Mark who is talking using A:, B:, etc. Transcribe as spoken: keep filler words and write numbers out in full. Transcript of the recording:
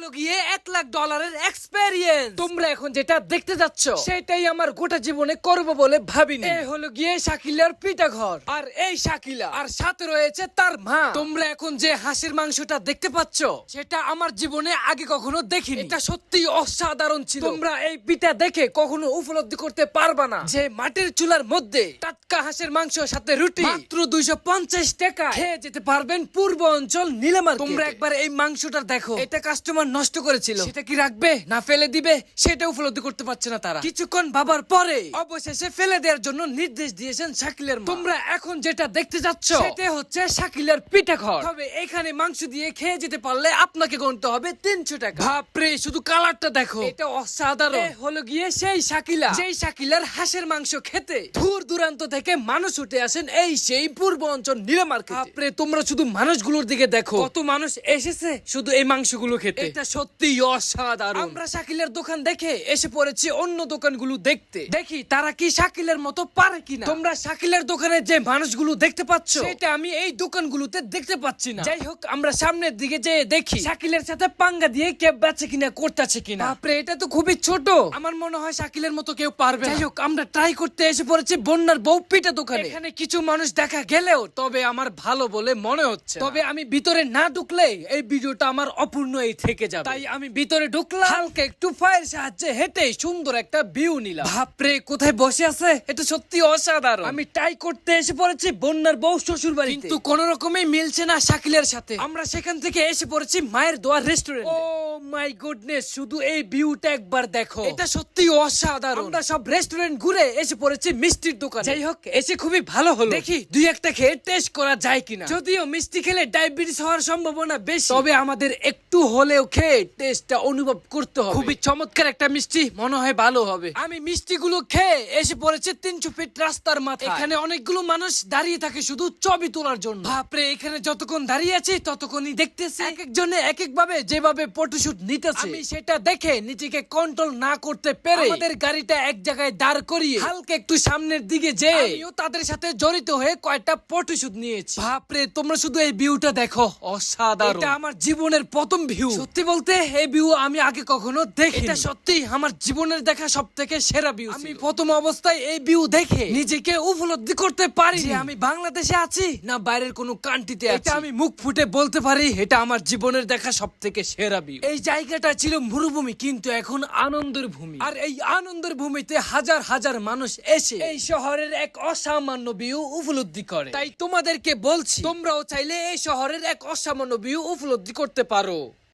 A: হলো গিয়ে এক লাখ ডলারের এক্সপেরিয়েন্স। তোমরা এখন যেটা দেখতে যাচ্ছ সেটাই আমার গোটা জীবনে করব বলে ভাবিনি। এই হলো গিয়ে শাকিলার পিঠা ঘর, আর এই শাকিলা আর সাথে রয়েছে তার মা। তোমরা এখন যে হাঁসের মাংসটা দেখতে পাচ্ছ সেটা আমার জীবনে আগে কখনো দেখিনি। এটা সত্যি অসাধারণ ছিল। তোমরা এই পিঠা দেখে কখনো উপলব্ধি করতে পারবা না যে মাটির চুলার মধ্যে টাটকা হাঁসের মাংস সাথে রুটি মাত্র দুইশো পঞ্চাশ টাকা খেয়ে যেতে পারবেন পূর্ব অঞ্চল নীলামার্কেটে। তোমরা একবার এই মাংসটা দেখো, এটা কাস্টমার নষ্ট করেছিল, সেটা কি রাখবে না ফেলে দিবে সেটা উপলব্ধি করতে পারছে না তারা। কিছুক্ষণ ভাবার পরে অবশেষে ফেলে দেওয়ার জন্য নির্দেশ দিয়েছেন শাকিলের মা। তোমরা এখন যেটা দেখতে যাচ্ছ সেটা হচ্ছে শাকিলের পিঠা ঘর। তবে এখানে মাংস দিয়ে খেয়ে যেতে পারলে আপনাকে গুনতে হবে তিনশো টাকা। বাপরে, শুধু কালারটা দেখো, এটা অসাধারণ। এ হলো গিয়ে সেই শাকিলা, যেই শাকিলার হাঁসের মাংস খেতে দূর দূরান্ত থেকে মানুষ উঠে আসেন এই সেই পূর্ব অঞ্চল নীলামার্কেটে। বাপরে, তোমরা শুধু মানুষগুলোর দিকে দেখো, কত মানুষ এসেছে শুধু এই মাংসগুলো খেতে। এটা সত্যি অসাধারণ। আমরা শাকিলের দোকান দেখে এসে পড়েছি অন্য দোকানগুলো দেখতে, দেখি তারা কি শাকিলের মতো পারে কিনা। তোমরা শাকিলের দোকানে যে মানুষগুলো দেখতে পাচ্ছ সেটা আমি এই দোকানগুলোতে দেখতে পাচ্ছি না। যাই হোক, আমরা সামনের দিকে যেয়ে দেখি শাকিলের সাথে পাঙ্গা দিয়ে কে বেচে কিনা করতেছে কিনা। বাপরে, এটা তো খুবই ছোট, আমার মনে হয় শাকিলের মতো কেউ পারবে না। যাই হোক, আমরা ট্রাই করতে এসে পড়েছি বন্যার বউ পিঠা দোকানে। এখানে কিছু মানুষ দেখা গেলেও তবে আমার ভালো বলে মনে হচ্ছে। তবে আমি ভিতরে না ঢুকলে এই ভিডিওটা আমার অপূর্ণই থেকে যাবে, তাই আমি ভিতরে ঢুকলাম। হালকা একটু ফায়ার সাহায্যে হেঁটে সুন্দর একটা ভিউ নিলাম। বাপরে, কোথায় বসে আছে, এটা সত্যি অসাধারণ। আমি ট্রাই করতে এসে পড়েছি বন্যার বউ শ্বশুর বাড়ি, কিন্তু কোন রকমই মিলছে না শাকিলের সাথে। আমরা সেখান থেকে এসে পড়েছি মায়ের দোয়ার রেস্টুরেন্ট। ও মাই গুডনেস, শুধু এই ভিউটা একবার দেখো, এটা সত্যি অসাধারণ। আমরা সব রেস্টুরেন্ট ঘুরে এসে পড়েছি মিষ্টির দোকানে। যাই হোক, এসে খুবই ভালো হলো। দেখি দুই একটা খেয়ে টেস্ট করা যায় কিনা। যদিও মিষ্টি খেলে ডায়াবেটিস হওয়ার সম্ভাবনা বেশি, তবে আমাদের একটু হলেও খেয়ে টেস্টটা অনুভব করতে হবে। খুবই চমৎকার একটা মিষ্টি, মনে হয় ভালো হবে। আমি মিষ্টিগুলো খেয়ে এসে পড়েছি তিনশো ফিট রাস্তার মাথায়। এখানে অনেকগুলো মানুষ দাঁড়িয়ে থাকে শুধু ছবি তোলার জন্য। বাপরে, এখানে যতক্ষণ দাঁড়িয়ে আছি ততক্ষণই দেখতেছি এক একজনে এক এক ভাবে যেভাবে ফটোশুট নিতেছে। আমি সেটা দেখে নিজেকে কন্ট্রোল না করতে পেরে আমাদের গাড়িটা এক জায়গায় দাঁড় করিয়ে হালকা একটু সামনের দিকে যেয়ে আমিও তাদের সাথে জড়িত হয়ে কয়েকটা ফটোশুট নিয়েছি। বাপরে, তোমরা শুধু এই ভিউটা দেখো, অসাধারণ। এটা আমার জীবনের প্রথম ভিউ। সত্যি বলতে এই ভিউ আমি আগে কখনো দেখিনি। এটা সত্যি আমার জীবনের দেখা সবথেকে সেরা ভিউ। আমি প্রথম অবস্থায় এই ভিউ দেখে নিজেকে উপলব্ধি করতে পারি যে আমি বাংলাদেশে আছি না বাইরের কোনো কান্ট্রিতে আছি। এটা আমি মুখ ফুটে বলতে পারি, এটা আমার জীবনের দেখা সবথেকে সেরা ভিউ। এই জায়গাটা ছিল মরুভূমি, কিন্তু এখন আনন্দের ভূমি। আর এই আনন্দের ভূমিতে হাজার হাজার মানুষ এসে এই শহরের এক অসামান্য ভিউ উপলব্ধি করে। তাই তোমাদেরকে বলছি, তোমরাও চাইলে এই শহরের এক অসামান্য ভিউ উপলব্ধি করতে পারো।